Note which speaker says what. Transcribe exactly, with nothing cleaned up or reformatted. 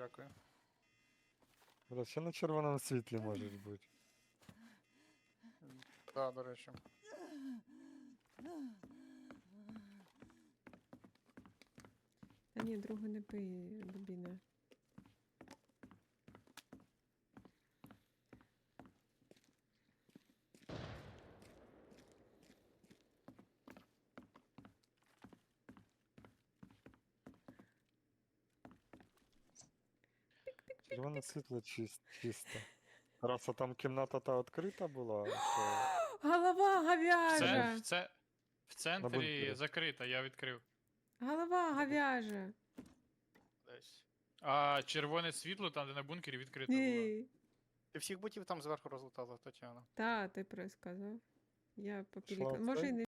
Speaker 1: дякую.
Speaker 2: Бля, ще на червоному світлі можеш бути.
Speaker 1: Так, до речі.
Speaker 3: Та ні, другу не пий, Бобіна.
Speaker 2: Червоне світло чис- чисто. Раз а там кімната та відкрита була, то
Speaker 3: Голова
Speaker 1: Це,
Speaker 3: говяжа!
Speaker 1: в, це, в центрі
Speaker 2: бункері.
Speaker 1: закрита, я відкрив.
Speaker 3: Голова говяжа!
Speaker 1: Десь. А червоне світло, там, де на бункері, відкрито було.
Speaker 3: Ей.
Speaker 1: Ти всіх ботів там зверху розлутала, Тетяна.
Speaker 3: Та, ти присказав. Я
Speaker 2: Пішла
Speaker 3: попілікала.
Speaker 2: в
Speaker 3: Може,
Speaker 2: цей?
Speaker 3: і не